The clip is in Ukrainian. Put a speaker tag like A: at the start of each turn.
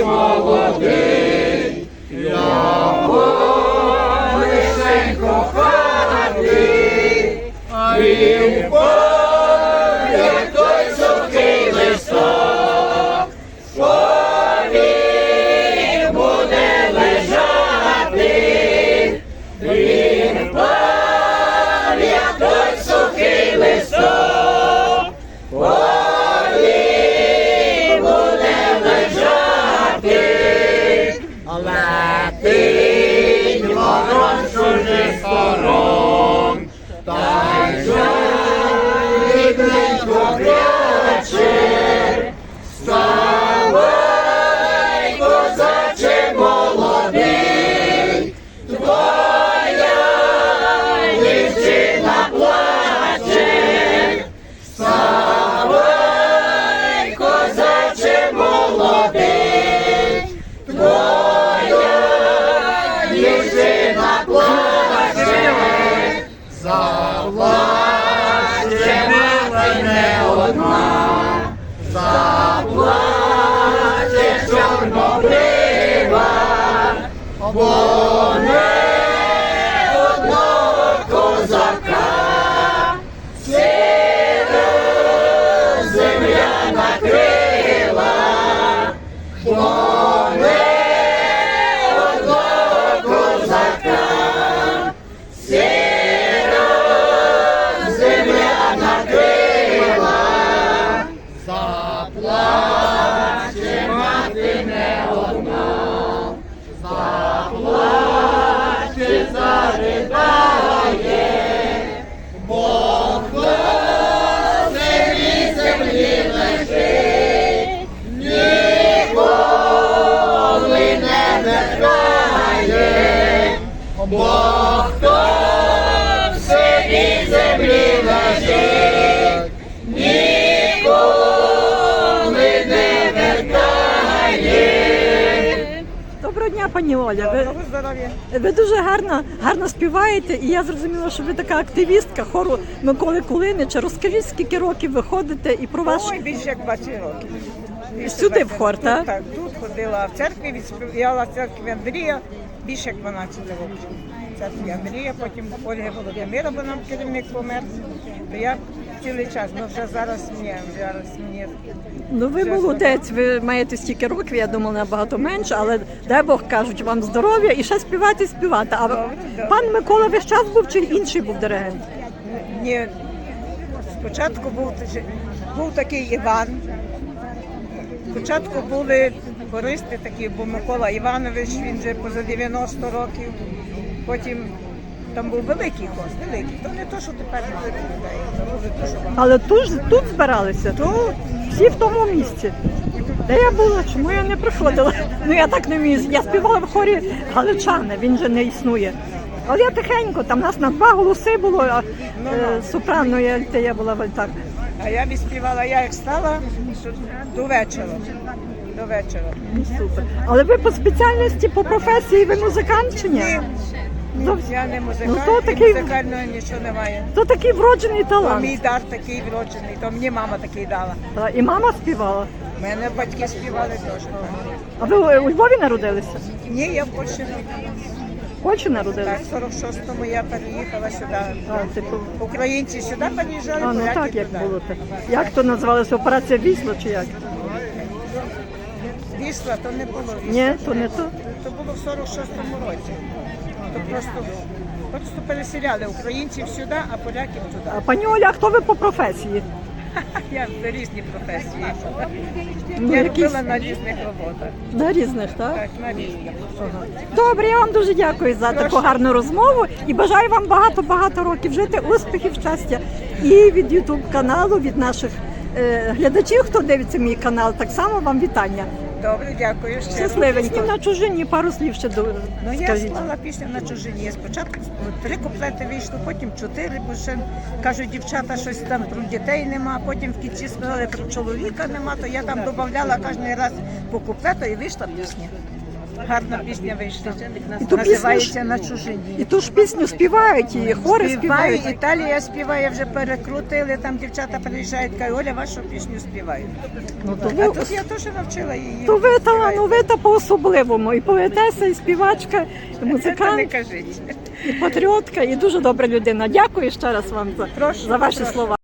A: молодий, я лишень коханий, а він впав, як той сухий листок, повік буде лежати, він впав, як той сухий листок, повік буде лежати, летить ворон чужих сторон, та й жалібненько кряче, вставай, козаче молодий, твоя дівчина плаче, вставай, козаче молодий, твоя дівчина плаче, заплаче мати не одна, заплаче чорнобрива, бо не одного козака сіра земля накрила, бо не одного козака сіра земля накрила, заплаче мати не одна, заплаче, заридає, бо хто в землі лежить, ніколи не вертає, бо хто в землі лежить, ніколи не вертає.
B: Доброго дня, пані Оля. Ви дуже гарно співаєте, і я зрозуміла, що ви така активістка хору Миколи Кулинича. Розкажіть, скільки років ви ходите і про ваш...
C: Ой, більше як 20 років.
B: Сюди в хор, так?
C: Так, тут ходила в церкві, відспівала в церкві Андрія більше як 12 років. В церкві Андрія, потім Ольги Володимира, бо нам керівник помер. То я цілий час, ну вже зараз мені.
B: Ну ви молодець, ви маєте стільки років, я думала набагато менше, але дай Бог, кажуть, вам здоров'я і ще співати. А
C: Добре.
B: пан Микола весь час був чи інший був диригент?
C: Ні, спочатку був такий Іван. Спочатку були хористи такі, був Микола Іванович, він вже поза 90 років. Потім там був великий хор, великий. То не то, що тепер людей, то були дуже багато.
B: Але тут збиралися?
C: Тут
B: Всі в тому місці. Де я була? Чому я не приходила? Ну я так не вмію. Я співала в хорі Галичани, він же не існує. Але я тихенько, там нас на 2 голоси було, а сопрано і альтея була в альтах.
C: А я відспівала, я як стала до вечора. До вечора.
B: Ну, супер. Але ви по спеціальності, по професії, ви музикант чи ні?
C: Ні,
B: Зовсім.
C: я не музикант,
B: Ну, то
C: і
B: такий-
C: музикального нічого немає.
B: То такий вроджений
C: То
B: талант.
C: мій дар такий вроджений, то мені мама такий дала.
B: І мама співала.
C: У мене батьки співали теж.
B: А ви у Львові народилися?
C: Ні, я в Польщі не
B: В Польщі народилися?
C: Так, в 46-му я переїхала сюди.
B: А, типу,
C: Українці сюди переїжджали,
B: ну
C: поляки
B: так, як
C: туди.
B: було. Так. Як то називалося? Операція Вісла чи як?
C: Вісла, то не було Вісла.
B: Ні, то не то.
C: То було в 46-му році. То просто переселяли українців сюди, а поляків туди.
B: А пані Оля, а хто ви по професії?
C: Я в різні професії.
B: Ну,
C: Я
B: якісь-
C: робила на різних роботах.
B: На різних, так?
C: Так, на різних.
B: Добре, я вам дуже дякую за таку гарну розмову і бажаю вам багато-багато років жити, успіхів, щастя. І від YouTube каналу, від наших глядачів, хто дивиться мій канал, так само вам вітання.
C: Добре, дякую. Ще
B: Щасливенькі. На чужині пару слів ще
C: Ну, я
B: скажіть.
C: склала пісню на чужині. Спочатку 3 куплети вийшло, потім 4, бо ще кажуть, дівчата щось там про дітей нема, потім в кінці сказали про чоловіка нема, то я там додавала кожен раз по куплету і вийшла пісня. гарна пісня вийшла.
B: І ту
C: Називається «На чужині».
B: І ту ж пісню співають, і хори співають.
C: Італія співає, вже перекрутили, там дівчата приїжджають, кажуть, Оля, вашу пісню співають.
B: Ну, то
C: А
B: ви,
C: тут я теж навчила її.
B: то ви
C: співати.
B: талановита по-особливому. І поетеса, і співачка, і
C: Це не
B: музикант,
C: кажіть.
B: і патріотка, і дуже добра людина. Дякую ще раз вам
C: Прошу,
B: за ваші
C: прошу.
B: слова.